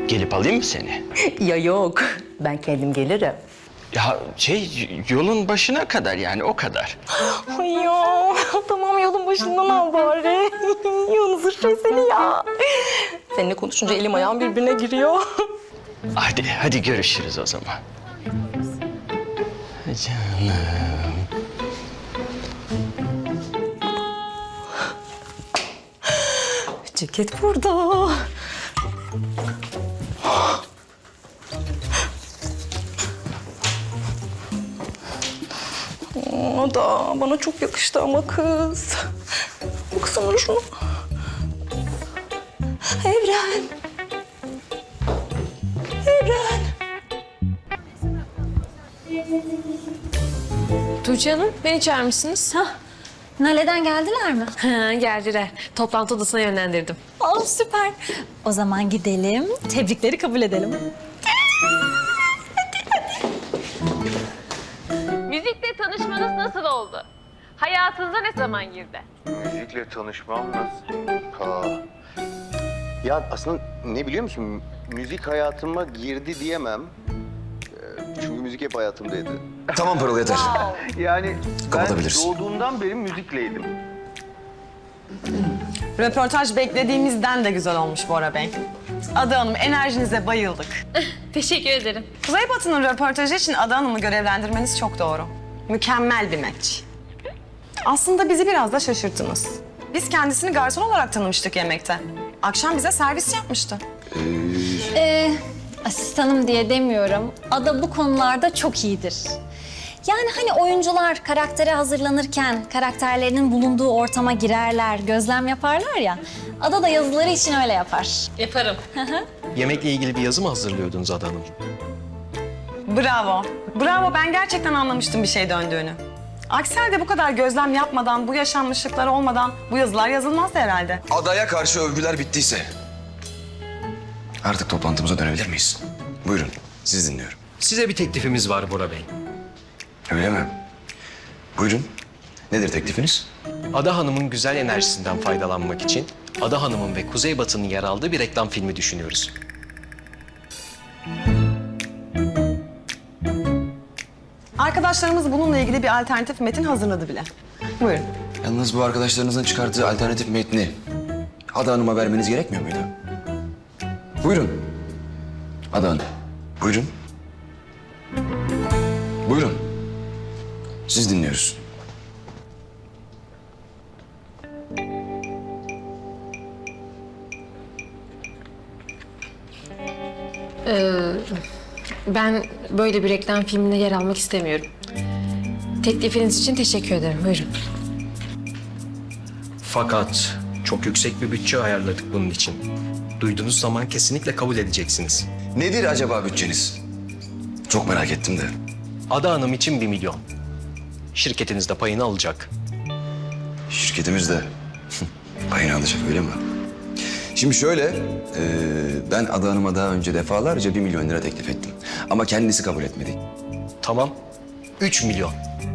Gelip alayım mı seni? Ya yok, ben kendim gelirim. Ya yolun başına kadar yani o kadar. Ay ya, tamam yolun başından al bari. Yalnız seni ya. Seninle konuşunca elim ayağım birbirine giriyor. Hadi görüşürüz o zaman. Canım. Ceket burada. O da bana çok yakıştı ama kız. Baksana şunu. Evren. Evren. Tuğçe Hanım, beni çağırmışsınız. Nale'den geldiler mi? Ha, geldiler. Toplantı odasına yönlendirdim. Aa, süper. O zaman gidelim, tebrikleri kabul edelim. Müzikle tanışmanız nasıl oldu? Hayatınıza ne zaman girdi? Müzikle tanışmam nasıl? Ya aslında ne biliyor musun? Müzik hayatıma girdi diyemem. Çünkü müzik hep hayatımdaydı. Tamam Pırıl yeter. Yani ben Kapatabiliriz. doğduğumdan beri müzikleydim. Röportaj beklediğimizden de güzel olmuş Bora Bey. Ada Hanım, enerjinize bayıldık. Teşekkür ederim. Kuzey Batı'nın röportajı için Ada Hanım'ı görevlendirmeniz çok doğru. Mükemmel bir match. Aslında bizi biraz da şaşırttınız. Biz kendisini garson olarak tanımıştık yemekte. Akşam bize servis yapmıştı. Asistanım diye demiyorum. Ada bu konularda çok iyidir. Yani hani oyuncular karaktere hazırlanırken karakterlerinin bulunduğu ortama girerler, gözlem yaparlar ya. Ada da yazıları için öyle yapar. Yaparım. Yemekle ilgili bir yazı mı hazırlıyordunuz Ada Hanım? Bravo. Bravo, ben gerçekten anlamıştım bir şey döndüğünü. Aksi halde bu kadar gözlem yapmadan, bu yaşanmışlıklar olmadan bu yazılar yazılmazdı herhalde. Adaya karşı övgüler bittiyse artık toplantımıza dönebilir miyiz? Buyurun, sizi dinliyorum. Size bir teklifimiz var Bora Bey. Öyle mi? Buyurun. Nedir teklifiniz? Ada Hanım'ın güzel enerjisinden faydalanmak için Ada Hanım'ın ve Kuzey Batı'nın yer aldığı bir reklam filmi düşünüyoruz. Arkadaşlarımız bununla ilgili bir alternatif metin hazırladı bile. Buyurun. Yalnız bu arkadaşlarınızın çıkarttığı alternatif metni Ada Hanım'a vermeniz gerekmiyor muydu? Buyurun. Ada Hanım. Buyurun. Buyurun. Siz dinliyoruz. Ben böyle bir reklam filminde yer almak istemiyorum. Teklifiniz için teşekkür ederim. Buyurun. Fakat çok yüksek bir bütçe ayarladık bunun için. Duyduğunuz zaman kesinlikle kabul edeceksiniz. Nedir acaba bütçeniz? Çok merak ettim de. Ada Hanım için 1 milyon. Şirketiniz de payını alacak. Şirketimiz de payını alacak, öyle mi? Şimdi şöyle, ben Ada Hanım'a daha önce defalarca 1 milyon lira teklif ettim. Ama kendisi kabul etmedi. Tamam. 3 milyon.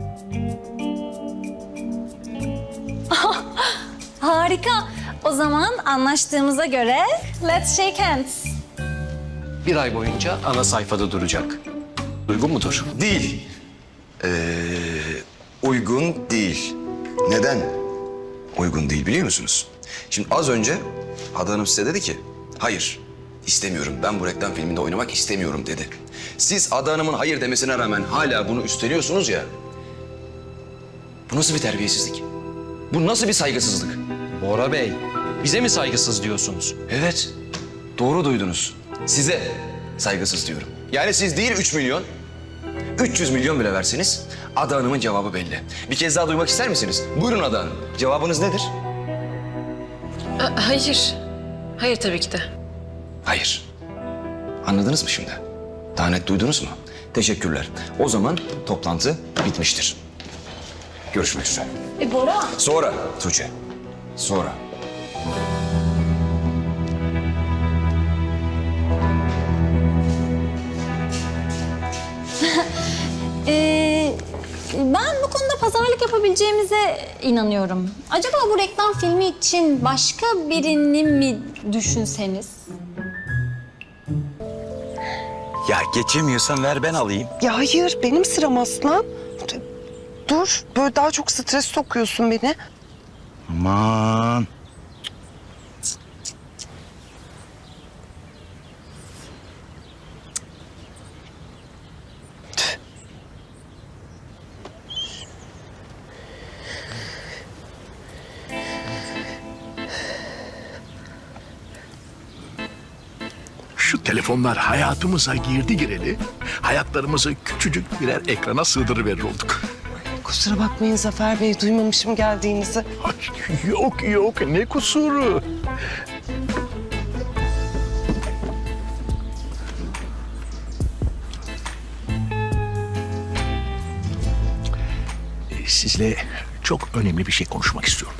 Harika. O zaman anlaştığımıza göre let's shake hands. 1 ay boyunca ana sayfada duracak. Uygun mudur? Değil. Uygun değil. Neden uygun değil biliyor musunuz? Şimdi az önce Ada Hanım size dedi ki, hayır istemiyorum, ben bu reklam filminde oynamak istemiyorum dedi. Siz Ada Hanım'ın hayır demesine rağmen hala bunu üstleniyorsunuz ya. Bu nasıl bir terbiyesizlik? Bu nasıl bir saygısızlık? Bora Bey, bize mi saygısız diyorsunuz? Evet, doğru duydunuz. Size saygısız diyorum. Yani siz değil 3 milyon, 300 milyon bile verseniz Ada Hanım'ın cevabı belli. Bir kez daha duymak ister misiniz? Buyurun Ada Hanım. Cevabınız nedir? Hayır. Hayır tabii ki de. Hayır. Anladınız mı şimdi? Daha net duydunuz mu? Teşekkürler. O zaman toplantı bitmiştir. Görüşmek üzere. Bora. Sonra Tuğçe. Sonra. Ben bu konuda pazarlık yapabileceğimize inanıyorum. Acaba bu reklam filmi için başka birini mi düşünseniz? Ya geçemiyorsan ver ben alayım. Ya hayır, benim sıram aslan. Dur, böyle daha çok stres sokuyorsun beni. Aman. Şu telefonlar hayatımıza girdi gireli, hayatlarımızı küçücük birer ekrana sığdırıverir olduk. Kusura bakmayın Zafer Bey, duymamışım geldiğinizi. Ay, yok ne kusuru. Sizle çok önemli bir şey konuşmak istiyorum.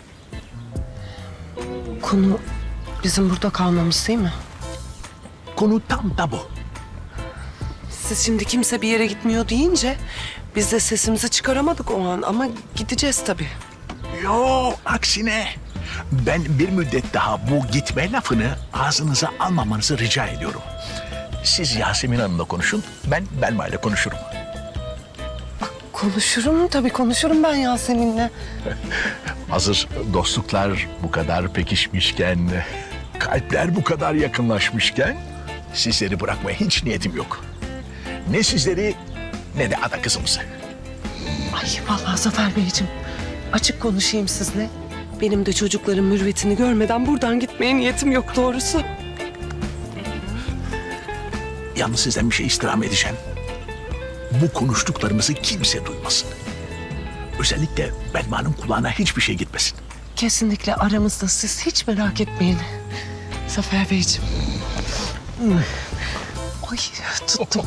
Konu bizim burada kalmamız değil mi? Konu tam da bu. Siz şimdi kimse bir yere gitmiyor deyince biz de sesimizi çıkaramadık o an ama gideceğiz tabii. Yo, aksine ben bir müddet daha bu gitme lafını ağzınıza almamanızı rica ediyorum. Siz Yasemin Hanım'la konuşun, ben Belma ile konuşurum. Konuşurum tabii, konuşurum ben Yasemin'le. Hazır dostluklar bu kadar pekişmişken, kalpler bu kadar yakınlaşmışken sizleri bırakmaya hiç niyetim yok. Ne sizleri ne de ada kızımızı. Ay vallahi Zafer Beyciğim, açık konuşayım sizle. Benim de çocukların mürüvvetini görmeden buradan gitmeye niyetim yok doğrusu. Yalnız sizden bir şey istirham edeceğim. Bu konuştuklarımızı kimse duymasın. Özellikle Belma'nın kulağına hiçbir şey gitmesin. Kesinlikle aramızda, siz hiç merak etmeyin. Zafer Beyciğim. Ay tuttum.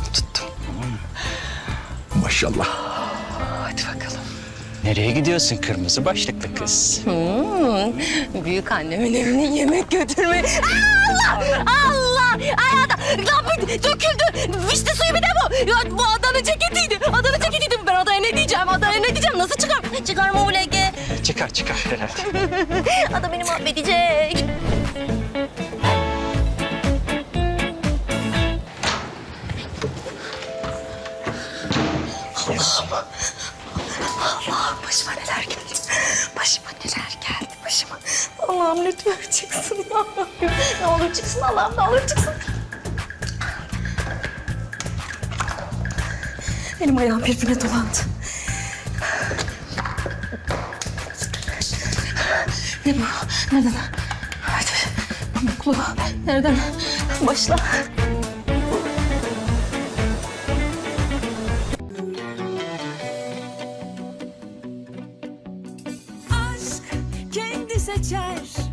Maşallah. Hadi bakalım. Nereye gidiyorsun kırmızı başlıklı kız? Büyük annemin evine yemek götürme. Allah! Ayağda lambı döküldü. Vişne suyu bir de bu. Ya, bu adanın ceketiydi. Adanın ceketiydi. Ben adaya ne diyeceğim? Adaya ne diyeceğim? Nasıl çıkar? Çıkarma o lege. Çıkar. Ada beni mahvedecek. Allah'ım başıma neler geldi. Başıma. Allah'ım lütfen çıksın ya Rabbim. Ne olur çıksın Allah'ım, ne olur çıksın. Elim ayağım birbirine dolandı. Ne bu? Nereden? Hadi. Mutlu. Nereden? Başla. Aşk kendi seçer